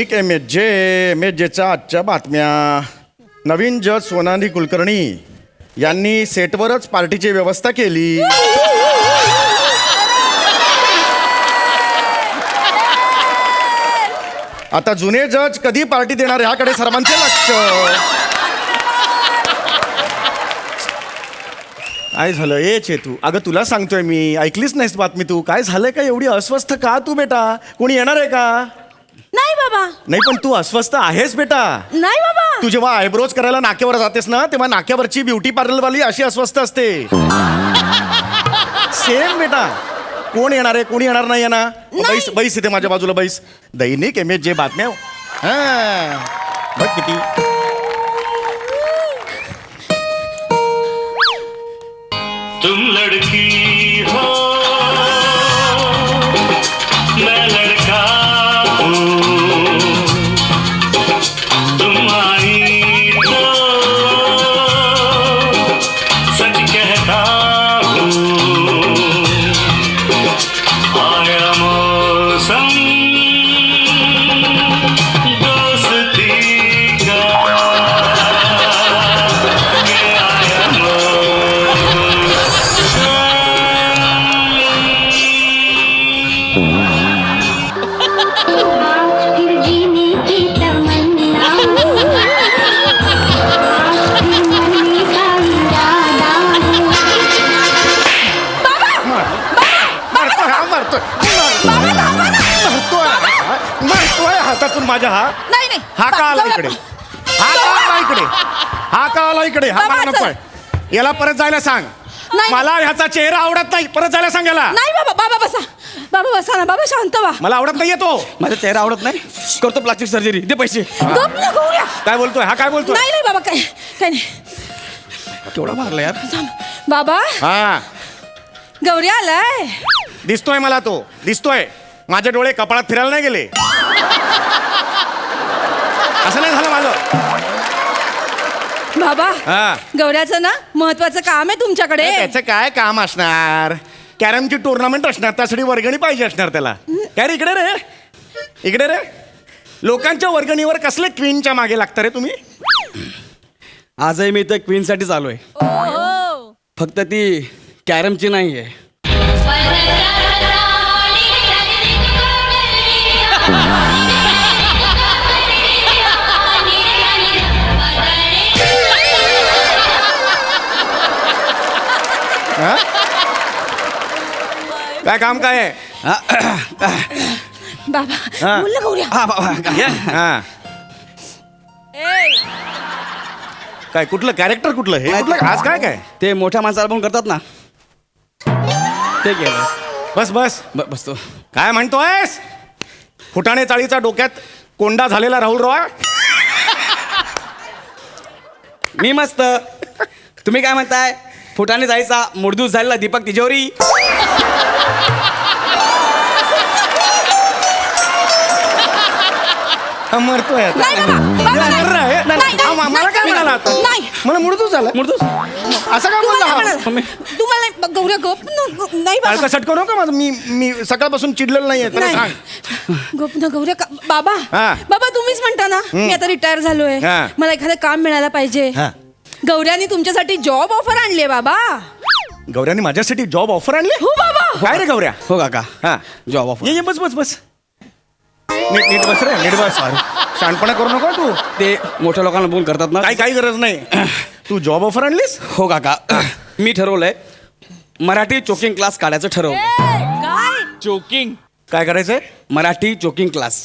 दैनिक M H आजच्या बातम्या. नवीन जज सोनाली कुलकर्णी यांनी सेटवरच पार्टीची व्यवस्था केली. आता जुने जज कधी पार्टी देणार ह्याकडे सर्वांचे लक्ष. काय झालं ए चेतू? अगं तुला सांगतोय मी, ऐकलीच नाहीस बातमी तू? काय झालंय का? एवढी अस्वस्थ का तू बेटा? कोणी येणार आहे का? नाही बाबा. नाही पण तू अस्वस्थ आहेस बेटा. नाही बाबा. तू जेव्हा आयब्रोज करायला नाक्यावर जातेस ना, तेव्हा नाक्यावरची ब्युटी पार्लरवाली अशी अस्वस्थ असते. सेम बेटा. कोण येणार आहे? कोणी येणार नाही ना? बैस बैस इथे माझ्या बाजूला बैस. दैनिक एम बातम्या. हा बघ किती. तुम लड़की हो मैं लड़का हूँ, तुम आई तो सच कहता हूँ. आया मौसम दोस्ती का, ये आया फिर जीने की तमन्ना, फिर मरने का इरादा. मारतोय हातातून माझ्या. हा नाही नाही. हा का आला इकडे? हा का आला इकडे? हा का आला इकडे? हा मला नकोय. याला परत जायला सांग. नाही. मला ह्याचा चेहरा आवडत नाही. परत जायला सांग याला. नाही बाबा. बाबा बसा. बाबा बसा ना. बाबा शांत व्हा. मला आवडत नाहीये तो. माझा चेहरा आवडत नाही. करतो प्लास्टिक सर्जरी. दे पैसे. गप ना गौऱ्या. काय बोलतोय? हा काय बोलतोय? नाही नाही बाबा. काय काय नाही. केवढा मारला यार. बाबा हा गौऱ्या आलाय. दिसतोय मला तो. दिसतोय. माझे डोळे कपाळात फिरायला नाही गेले. असं नाही झालं माझं. बाबा हा गौऱ्याचं ना महत्वाचं काम आहे तुमच्याकडे. त्याचं काय काम असणार? कॅरमची टुर्नामेंट असणार. त्यासाठी वर्गणी पाहिजे असणार त्याला. काय रे इकडे रे? इकडे रे. लोकांच्या वर्गणीवर कसले क्वीनच्या मागे लागता रे तुम्ही? आजही मी इथं क्वीनसाठीच आलोय. ओहो. फक्त ती कॅरमची नाही आहे. हा? काय काम काय आहे? बाबा हा. बोल ना गौऱ्या. हा बाबा. हा काय कुठलं कॅरेक्टर कुठलं हे? कुठलं आज काय काय? ते मोठ्या माणसाला पण करतात ना, ते केलं. बस बस. बसतो. काय म्हणतोयस? फुटाणे चाळीचा डोक्यात कोंडा झालेला राहुल रॉय. मी मस्त. तुम्ही काय म्हणताय? फुटाने जायचा मुडदूस झालेला दीपक तिजोरी. मरतोय आता. नाही बाबा. बाबा, नाही. मर रहा है? नाही, नाही, मला काय नाही, मिळालं आता? नाही. मला मुडतूच झाला. मुडदूस. असं काय बोलला हा? तुम्हाला नाही. गौऱ्या गप नाही बाबा. काळका सटकू नका माझं. मी सकाळपासून चिडलेलं नाहीये. त्याला नाही. सांग. गप ना गौऱ्या. बाबा हा. बाबा तुम्हीच म्हणता ना मी आता रिटायर झालोय. हा. मला एखादं काम मिळायला पाहिजे. हा. गौऱ्यानी तुमच्यासाठी जॉब ऑफर आणली आहे बाबा. गौऱ्याने माझ्यासाठी जॉब ऑफर आणली? हो बाबा. काय रे गौऱ्या? हो काका. हा जॉब ऑफर. ये बस बस बस. नीट बस रे. नीट बस. शहाणपणा करू नको तू. ते मोठ्या लोकांना बोल करतात ना. काही गरज नाही. तू जॉब ऑफर आणलीस? हो काका. मी ठरवलंय मराठी चोकिंग क्लास काढायचं ठरवलं. काय चोकिंग. काय करायचंय? Marathi choking class.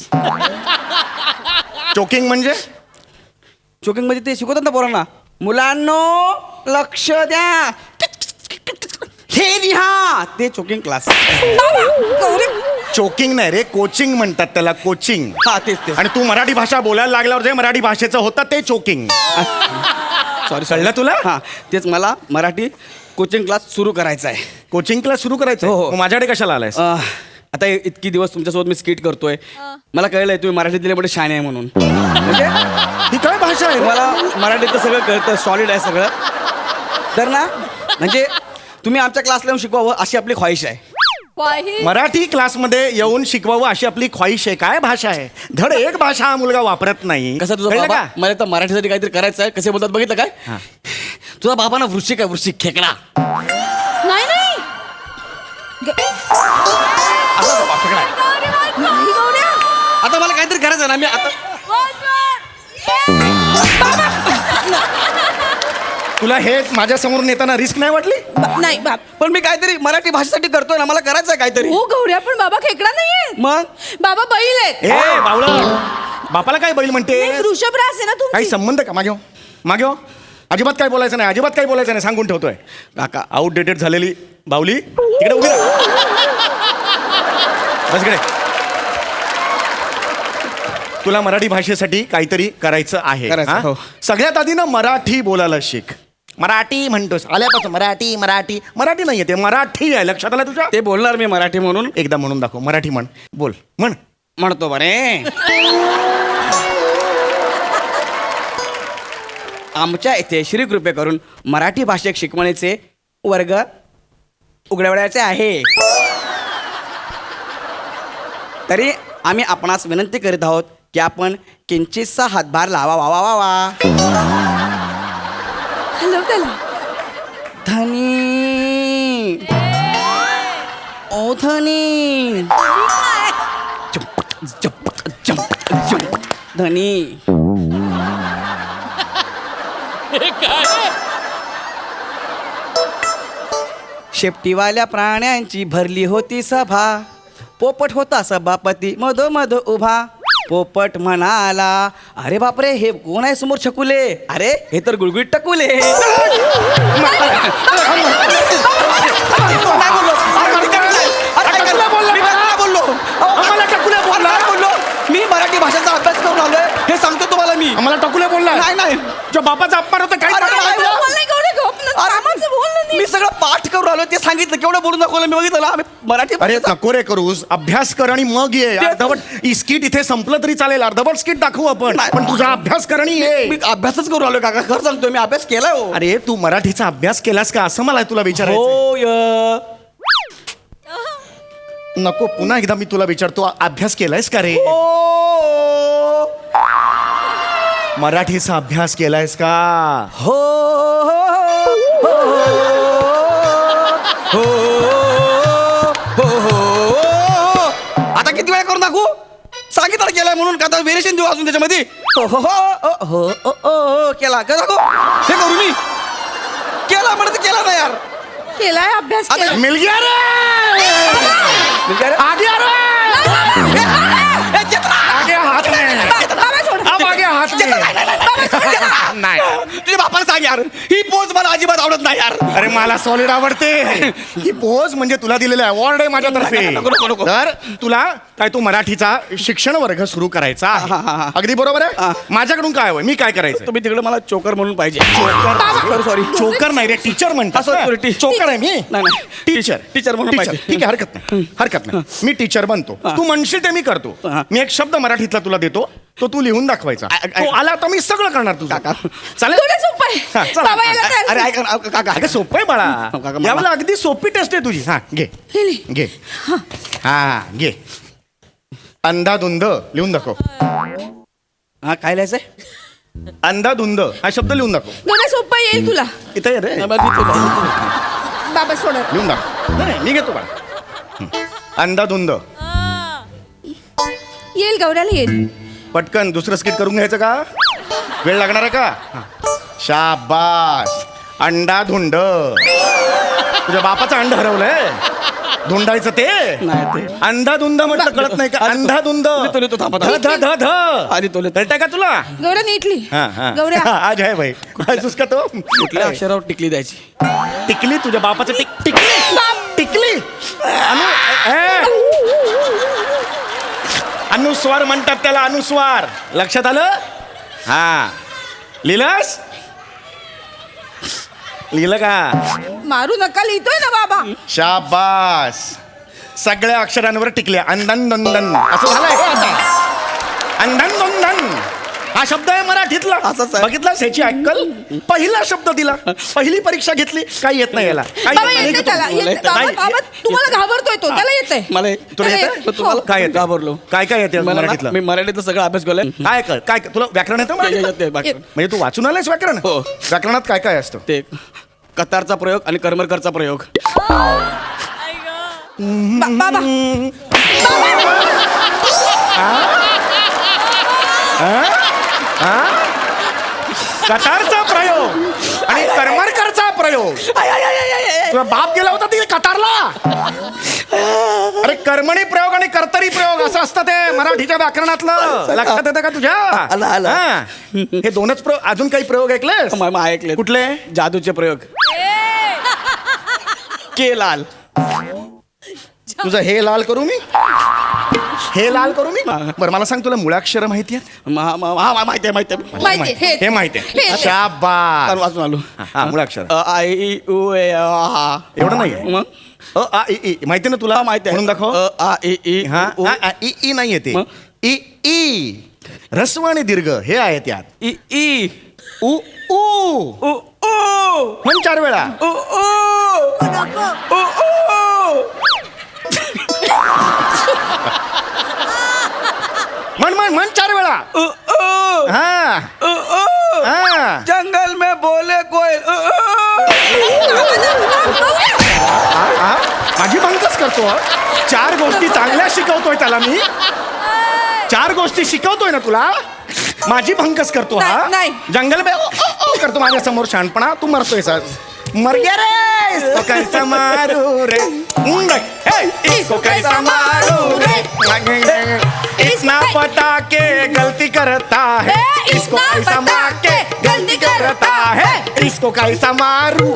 चोकिंग म्हणजे? चोकिंग म्हणजे ते शिकवतात ना पोरांना. मुलांनो लक्ष द्या, हे लिहा. ते चोकिंग क्लास. चोकिंग नाही रे, कोचिंग म्हणतात त्याला. कोचिंग. हा तेच तेच. आणि तू मराठी भाषा बोलायला लागल्यावर जे मराठी भाषेचं होतं ते चोकिंग. सॉरी कळलं तुला? हा तेच. मला मराठी कोचिंग क्लास सुरू करायचा आहे. कोचिंग क्लास सुरू करायचं? हो, हो. मग माझ्याकडे कशाला आलायस? आता इतकी दिवस तुमच्यासोबत मी स्किट करतोय. मला कळलंय तुम्ही मराठीत दिल्यामुळे शान आहे म्हणून. म्हणजे ही काय भाषा आहे? मला मराठीतलं सगळं कळतं. सॉलिड आहे सगळं. तर ना म्हणजे तुम्ही आमच्या क्लासला येऊन शिकवावं अशी आपली ख्वाहिश आहे. मराठी क्लासमध्ये येऊन शिकवावं अशी आपली ख्वाहिश आहे. काय भाषा आहे, धड एक भाषा हा मुलगा वापरत नाही. कसं तुझा कळलं बाबा का? मला तर मराठीसाठी काहीतरी करायचं आहे. कसे बोलतात बघितलं काय हा. तुझा बाबा ना वृश्चिक आहे, वृश्चिक खेकडा. नाही नाही असा बाबा खेकडा आहे. नाही, गौऱ्या. आता मला काहीतरी करायचं आहे ना. मी आता तुला हे माझ्या समोरून येताना रिस्क नाही वाटली? नाही बाप. पण मी काहीतरी मराठी भाषेसाठी करतोय ना. मला करायचं आहे काहीतरी. हो गौऱ्या, पण बाबा खेकडा नाहीये. मग बाबा बैल आहेत. ए बावळट, बापाला काय बैल म्हणते? नाही, वृषभरास आहे ना काही तुमची. संबंध का? मागे हो, मागे हो. अजिबात काय बोलायचं नाही, अजिबात काय बोलायचं नाही, सांगून ठेवतोय. काका आउटडेटेड झालेली बावली तिकडे उभी राहा. बस इकडे. तुला मराठी भाषेसाठी काहीतरी करायचं आहे. करायचं, हा? हो. सगळ्यात आधी ना मराठी बोलायला शिक. मराठी म्हणतोस आल्यापासून मराठी मराठी मराठी नाही येते, मराठी आहे. लक्षात आलं तुझ्या? ते बोलणार मी मराठी म्हणून. एकदा म्हणून दाखव. मराठी म्हण, बोल, म्हण. म्हणतो बरे. आमच्या इथे श्री कृपे करून मराठी भाषिक शिकवणीचे वर्ग उघडवण्याचे आहे. तरी आम्ही आपणास विनंती करीत आहोत की आपण किंचितसा हातभार लावा. वा वा वा वा. हॅलो त्याला. धनी ओ धनी धनी. शेपटीवाल्या प्राण्यांची भरली होती सभा. पोपट होता सभापती मधोमध उभा. पोपट म्हणाला, अरे बापरे, हे कोण आहे समोर छकुले? अरे हे तर गुळगुळीत टकुले. मी मराठी भाषेचा अभ्यास करून आलोय हे सांगतो तुम्हाला मी. आम्हाला टकुले बोलला? नाही नाही तुझ्या बापाचा अपमान होता काय? अरे, नाही, नाही. बोल नाही गौऱ्या, गप ना. कामाचं बोल ना नीट. मी सगळं पाठ करून आलो ते सांगितलं. केवढं बोलून दाखवलं मी. बघितलं ना आम्ही मराठी अरे भाषेचा- नको रे करूस, अभ्यास कर आणि मग ये. अर्धवट स्किट इथे संपलं तरी चालेल, अर्धवट स्किट दाखवू आपण, नाही. पण तुझा अभ्यास कर आणि ये. मी अभ्यासच करून आलोय काका. खरं सांगतोय मी अभ्यास केलाय हो. अरे तू मराठीचा अभ्यास केलास का असं मला तुला विचारायचं. होय. नको, पुन्हा एकदा मी तुला विचारतो, अभ्यास केलायस का रे? हो. मराठीचा अभ्यास केलायस का? हो हो हो हो. आता किती वेळा करून दाखवू? सांगितलं केलाय म्हणून का? व्हेरिएशन देऊ अजून त्याच्यामध्ये? हो हो हो हो हो केला का दाखवू? हे करू मी केला म्हणत केला ना यार. केलाय अभ्यास आता केलाय. मिल गया रे, आगे आ रे, आगे हात में, बाबा सोड. अब आगे हात में. नाही तुझ्या बापाला सांग यार, ही पोच मला अजिबात आवडत नाही यार. अरे मला सॉलिड आवडते ही पोज, म्हणजे तुला दिलेला अवॉर्ड आहे माझ्यातर्फे. नको, नको, नको. तर तुला काय, तू मराठीचा शिक्षण वर्ग सुरू करायचा आहे. हा, हा, हा. अगदी बरोबर आहे. हा. माझ्याकडून काय हवंय, मी काय करायचं? तुम्ही तिकडे मला चोकर म्हणून पाहिजे. सॉरी चोकर नाही रे, टीचर म्हणतात. sorry, चोकर आहे मी. नाही. टीचर टीचर म्हणून पाहिजे. ठीक आहे, हरकत नाही, हरकत नाही. मी टीचर बनतो, हा. तू म्हणशील ते मी करतो. हा. मी एक शब्द मराठीतला तुला देतो, तो तू लिहून दाखवायचा. तो आला तर मी सगळं करणार तुझं. काका. चालेल? गौऱ्या सोपं आहे. हा, चला. बाबा याला काय- अरे ऐका ना, काका अगं सोपं आहे बाळा, काका, मला- यावेळेला अगदी सोपी टेस्ट आहे तुझी. हा घे हे लिह. घे. हा घे. अंधाधुंद लिहून दाखव. हा काय लिहायचंय? अंधाधुंद हा शब्द लिहून दाखव. गौऱ्या सोपं येईल तुला. इथे ये रे, बाबा सोड. लिहून दाखव. नाही मी घेतो बाळा. अंधाधुंद. येईल गौऱ्याला येईल. पटकन दुसरं स्किट करून घ्यायचं का? वेळ लागणार आहे का? शाबास. अंडाधुंड. तुझ्या बापाचं अंड हरवलंय, धुंडायचं ते. नाही ते. अंधाधुंद म्हटलं कळत नाही का? अंधाधुंद. लिहितो, थांबा, ध ध ध ध. आधी तो लिहितो. कळतंय का तुला? गौऱ्या नीटली. हा हा गौऱ्या आज आहे भाई. हसूस का तो? कुठल्या अक्षरावर टिकली द्यायची? टिकली. तुझ्या बापाचं टिकली टिकली. अनुस्वार म्हणतात त्याला, अनुस्वार. लक्षात आलं? हा लिहिलंस? लिहिलं का? मारू नका, लिहितोय ना बाबा. शाबास. सगळ्या अक्षरांवर टिकल्या. अंधन दोंदन असं झालंय का आता? अंधन दोंदन. हा शब्द आहे मराठीतला. असंच आहे. बघितलास ह्याची अक्कल. पहिला शब्द दिला, पहिली परीक्षा घेतली, काही येत नाही याला. काही बाबा येत नाही. येते त्याला तुम्हाला येते. बाबा नाही. बाबा तुम्हाला घाबरतोय तो, त्याला येते. मला तुला अरे, येतं? हो. तुम्हाला काय येतं? घाबरलो. काय काय येते मला ना- मराठीतलं? मी मराठीतलं सगळं अभ्यास केलाय. काय कर काय तुला व्याकरण येतं मराठीतलं? येते व्याकरण. म्हणजे तू वाचून आलायस व्याकरण? हो. व्याकरणात काय काय असतं? ते कतारचा प्रयोग आणि करमरकरचा प्रयोग. बाबा कतारचा प्रयोग आणि करमरकरचा प्रयोग. तुझा बाप गेला होता तिथे कतारला. अरे कर्मणी प्रयोग आणि कर्तरी प्रयोग असं असतं ते मराठीच्या व्याकरणातलं. लक्षात येतं का तुझ्या? आलं, आलं. हा. हे दोनच प्रयोग. अजून काही प्रयोग ऐकलेस? ऐकले. कुठले? जादूचे प्रयोग. के लाल. तुझं हे लाल करू मी? हे लाल करू मी? बरं मला सांग, तुला मुळाक्षर माहिती आहेत? माहिती आहे. माहिती आहे. हे माहिती हे. आहे. शाबास. वाचून आलो. हा मुळाक्षर आय ई उ ए आ. एवढं नाहीये. मग आ इ ई माहिती ना तुला? माहिती आहे. म्हणून दाखव. आ ई ई हा उ. ई ई नाहीये ते. मग? ई ई ह्रस्व आणि दीर्घ हे आहे त्यात. ई ई उ उ उ उ म्हण 4 वेळा. उ उ उ उ. म्हण 4 वेळा. उ उ हा उ उ. हा. जंगल में बोले कोयल. उ हा? माझी भंगच करतो हा. 4 गोष्टी चांगल्या शिकवतोय त्याला मी. 4 गोष्टी शिकवतोय ना तुला. माझी भंकस करतो हा. नाही. जंगल में करतो माझ्या समोर शहाणपणा. तू मरतोय सर. मर गया रे. इसको कैसा मारू रे. इसको कैसा मारू रे. इतना पता के गलती करता है. इसको कैसा मार के गलती करता है. इसको कैसा मारू.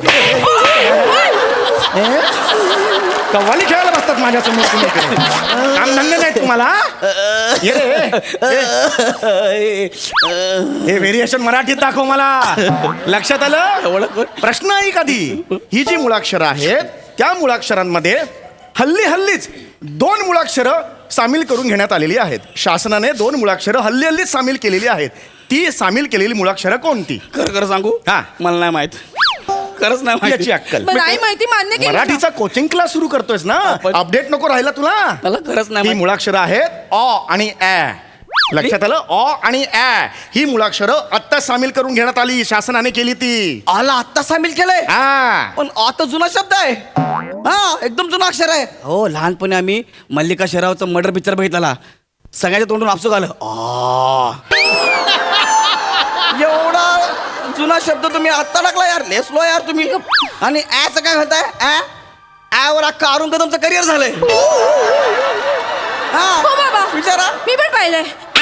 कव्वाली खेळायला बसतात माझ्या समोर. काम धंदे नाही तुम्हाला. ये रे. हे व्हेरिएशन मराठीत दाखव मला. लक्षात आलं? प्रश्न आहे कधी ही जी मुळाक्षरं आहेत त्या मुळाक्षरांमध्ये हल्लीच 2 मुळाक्षरं सामील करून घेण्यात आलेली आहेत. शासनाने 2 मुळाक्षरं हल्लीच सामील केलेली आहेत. ती सामील केलेली मुळाक्षरं कोणती? खरं सांगू? हा. मला नाही माहित. खरंच नाही माहिती. याची अक्कल. बरं, नाही माहिती मान्य केली. मराठीचा कोचिंग क्लास सुरू करतोयस ना. पण- अपडेट नको राहिला तुला. मला खरंच नाही ही माहिती. मुळाक्षरं आहेत अ आणि ॲ. लक्षात आलं? अ आणि ॲ ही मुळाक्षरं आत्ता सामील करून घेण्यात आली. शासनाने केली ती. आला आत्ता सामील केलंय. हा. पण आता जुना शब्द आहे. हा एकदम जुना अक्षर आहे. हो लहानपणी आम्ही मल्लिका शेरावचा मर्डर पिक्चर बघितला. सगळ्याच्या तोंडून आपसू आलं. एवढा जुना शब्द तुम्ही आत्ता टाकला यार. लय स्लो यार तुम्ही. आणि ॲचं काय म्हणताय? ॲवर अख्खा अरुण कदमचं करिअर झालंय. हो बाबा. विचारा. मी पण पाहिलंय.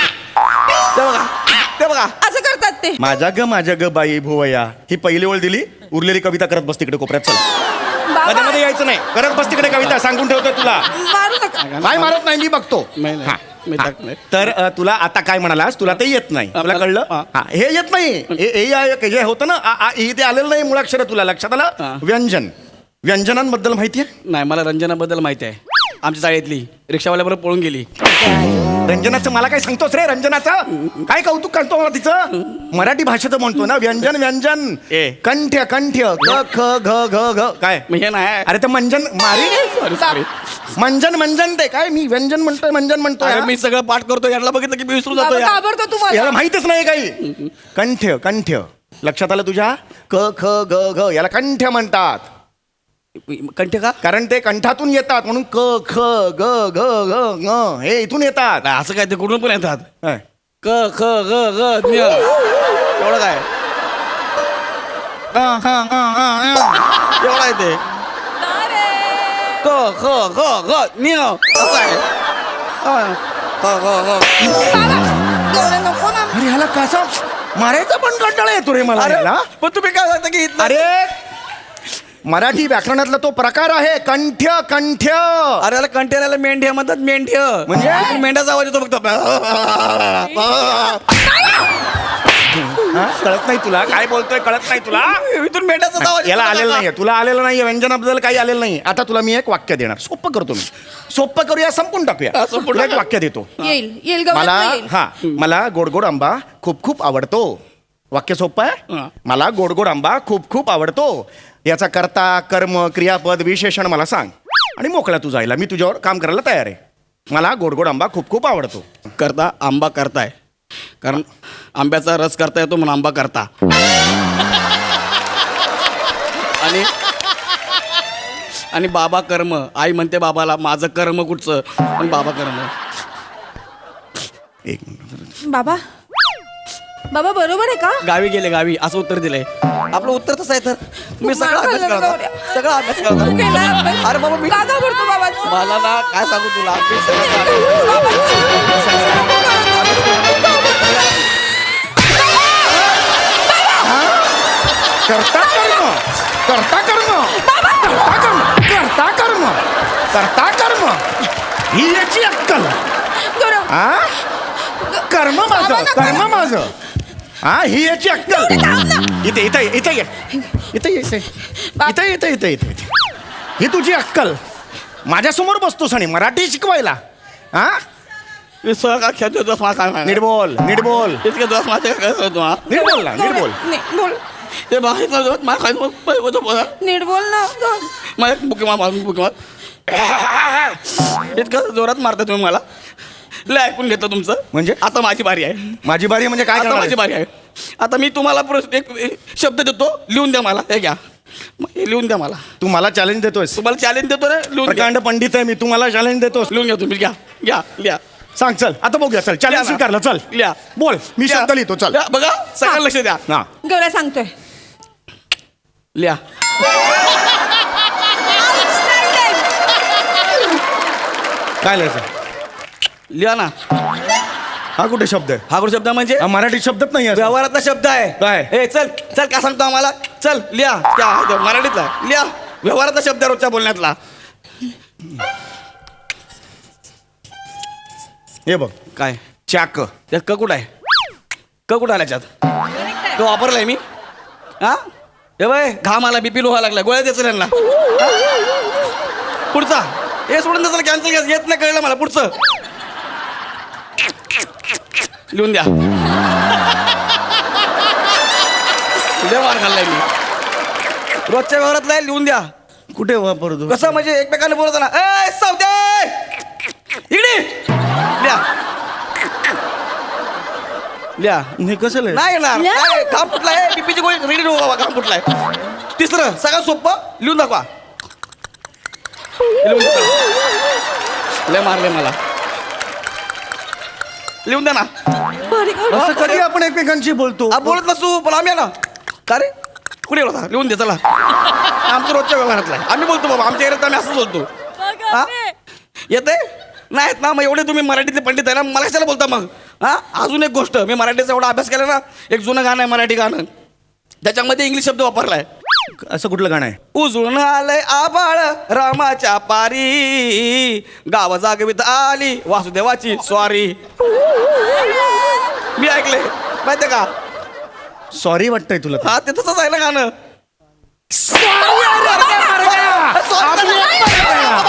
ते बघा. असं करतात ते. माझ्या ग बाई भुवया ही पहिली ओळ दिली. उरलेली कविता करत बस तिकडे कोपऱ्यात. चल बाबा मध्ये मध्ये यायचं नाही. करत बस तिकडे कविता. सांगून ठेवतोय तुला. मारू नका. काय मारत नाही मी बघतो. नाही, हा. मी हा. टाकलंय. तर तुला आता काय म्हणालास? तुला ते येत नाही. तुला कळलं? हा. हा. हे येत नाही. जे होतं ना आ ई ते आलेलं नाही मुळाक्षर. तुला लक्षात हा. आलं? व्यंजनांबद्दल माहिती आहे? नाही मला रंजनाबद्दल माहिती आहे. आमच्या शाळेतली रिक्षावाल्याबरोबर पळून गेली. रंजनाचं मला काय सांगतोस रे? रंजनाचं काय कौतुक करतो मला तिचं? मराठी भाषेचं म्हणतो ना. व्यंजन ए. कंठ्य ग ख घ घ घ काय? मी हे नाही. अरे ते मंजन मारी. सॉरी. मंजन ते काय? मी व्यंजन म्हणतोय मंजन म्हणतोय. अरे मी सगळं पाठ करतो. याला बघितलं की मी विसरून जातो बाबा यार. घाबरतो तुम्हाला. याला माहितच नाही काही. कंठ्य लक्षात आलं तुझ्या? क ख ग घ याला कंठ्य म्हणतात. कंठे का? कारण ते कंठातून येतात म्हणून क ख ग घ घ ङ हे इथून येतात. नाही, असं काय ते कुठून पण येतात. काय? क ख ग ग ञ. एवढं काय? एवढं आहे ते. क ख ग ग ञ. असं आहे. एवढं नको ना. अरे ह्याला कसा मारायचा पण कंटाळा येतो रे मला. अरे ह्याला. पण तुम्ही काय सांगता की इथलं- अरे मराठी व्याकरणातला तो प्रकार आहे कंठ्य. अरे याला कंटेनरला मेंढ्या म्हणतात. मेंढ्य म्हणजे? मेंढ्याचा आवाज येतो फक्त. हा? कळत नाही तुला काय बोलतोय कळत नाही तुला इथून मेंढ्याचा आवाज याला येतो आलेलं का? नाहीये तुला आलेलं नाहीये व्यंजनाबद्दल काही आलेलं नाही आता तुला मी एक वाक्य देणार सोपं करतो मी सोपं करूया संपून टाकूया हा, संपून तुला एक टाका. वाक्य देतो येईल गवळण मला येईल. हा मला गोड गोड आंबा खूप खूप आवडतो वाक्य सोपं हा. आहे मला गोड गोड आंबा खूप खूप आवडतो याचा कर्ता कर्म क्रियापद विशेषण मला सांग आणि मोकळा तू जायला मी तुझ्यावर काम करायला तयार आहे मला गोड गोड आंबा खूप खूप आवडतो करता आंबा करताय कारण आंब्याचा रस करता येतो म्हणून आंबा करता आणि बाबा कर्म आई म्हणते बाबाला माझं कर्म कुठचं पण बाबा कर्म एक मिनिट बाबा बाबा बरोबर आहे का गावी गेले गावी असं उत्तर दिलंय आपलं उत्तर तसं आहे तर मी सगळा मार अभ्यास खाल्ला करता गौऱ्या. सगळा अभ्यास तू केलाय करता अभ्यास? अरे बाबा मी का घाबरतो बाबाचं? मला ना काय सांगू तुला मी सगळं करता कर्म करता कर्म करता कर्म करता कर्म करता कर्म ही याची अक्कल गौरव, हा कर्म माझं बाबा, कर्म माझं हा ही याची अक्कल इथे इथे इथे ये इथे ये, इथे इथे इथे इथे इथे इथे ही तुझी अक्कल माझ्यासमोर बसतोस आणि मराठी शिकवायला हा मी सगळं खेळतो दिवस मला काय नीट बोल नीट बोल इतके दिवस माझ्या काय करतो हा नीट बोल ना नीट बोल नाही, बोल ते बाहेर दिवस मला काय बोला नीट बोल ना गौरव. मला एक बुकी मार बुकी मार इतकं जोरात मारता तुम्ही मला लय ऐकून घेतलं तुमचं म्हणजे? आता माझी बारी आहे माझी बारी म्हणजे काय आता करणार माझी आहेस? बारी आहे आता मी तुम्हाला एक शब्द देतो लिहून द्या मला हे घ्या हे लिहून द्या मला तू मला चॅलेंज देतोयस तुम्हाला चॅलेंज देतो ना लिहून घ्या प्रकांड पंडित आहे मी तू मला चॅलेंज देतोस लिहून घ्या तुम्ही घ्या घ्या लिहा सांग चल आता बघूया चल लिहा चॅलेंज ना. स्वीकारलं चल लिहा बोल मी लिहा. शब्द लिहितो चल लिहा. बघा सगळं लक्ष द्या ना गौऱ्या सांगतोय लिहा काय लिहायचं लिहा ना हा कुठे शब्द आहे हा कुठे शब्द म्हणजे हा मराठी शब्दच नाही आहे व्यवहारातला शब्द आहे काय? ए चल चल काय सांगतो आम्हाला चल लिहा त्या मराठीतला लिहा व्यवहारातला शब्द आहे रोजच्या बोलण्यातला हे बघ काय चाक त्यात क कुठं आहे क कुठं आला त्याच्यात तो वापरलाय मी हा हे बाय घाम आला बीपी लोहा लागला गोळ्या द्यायचं त्यांना हा? पुढचा हे सोडून त्याचं कॅन्सल येत नाही कळलं मला पुढचं लिहून द्या लय मार खाल्लाय मी रोजच्या व्यवहारातला आहे, लिहून द्या कुठे वापरतो कसं म्हणजे एकमेकांना बोलतो ना ए सावते इकडे लिहा लिहा हे कसं लिहायचं? नाही येणार लिहा. काय, घाम फुटलाय बीपीची गोळी रेडी ठेवू बाबा घाम फुटलाय तिसरं सगळं सोपं लिहून दाखवा लिहून दाखवा. लय मारले मला लिहून द्या ना भारी गौरव. असं कधी आपण एकमेकांशी बोलतो बोलत नसू पण आम्ही आहे ना का रे कुठे होता लिहून दे चला आमचं रोजच्या व्यवहारातला आहे आम्ही बोलतो बाबा आमच्या एरियात आम्ही असंच बोलतो हा येते नाहीत ना मग एवढे तुम्ही मराठीतले पंडित आहे ना मला कशाला बोलता मग हा अजून एक गोष्ट मी मराठीचा एवढा अभ्यास केला ना एक जुनं गाणं आहे मराठी गाणं त्याच्यामध्ये इंग्लिश शब्द वापरलाय असं कुठलं गाणं आहे उजळून आलंय आबाळ रामाच्या पारी गाव जागवित आली वासुदेवाची स्वारी मी ऐकले माहितीये का सॉरी वाटतंय तुला हा ते तसंच आहे ना गाणं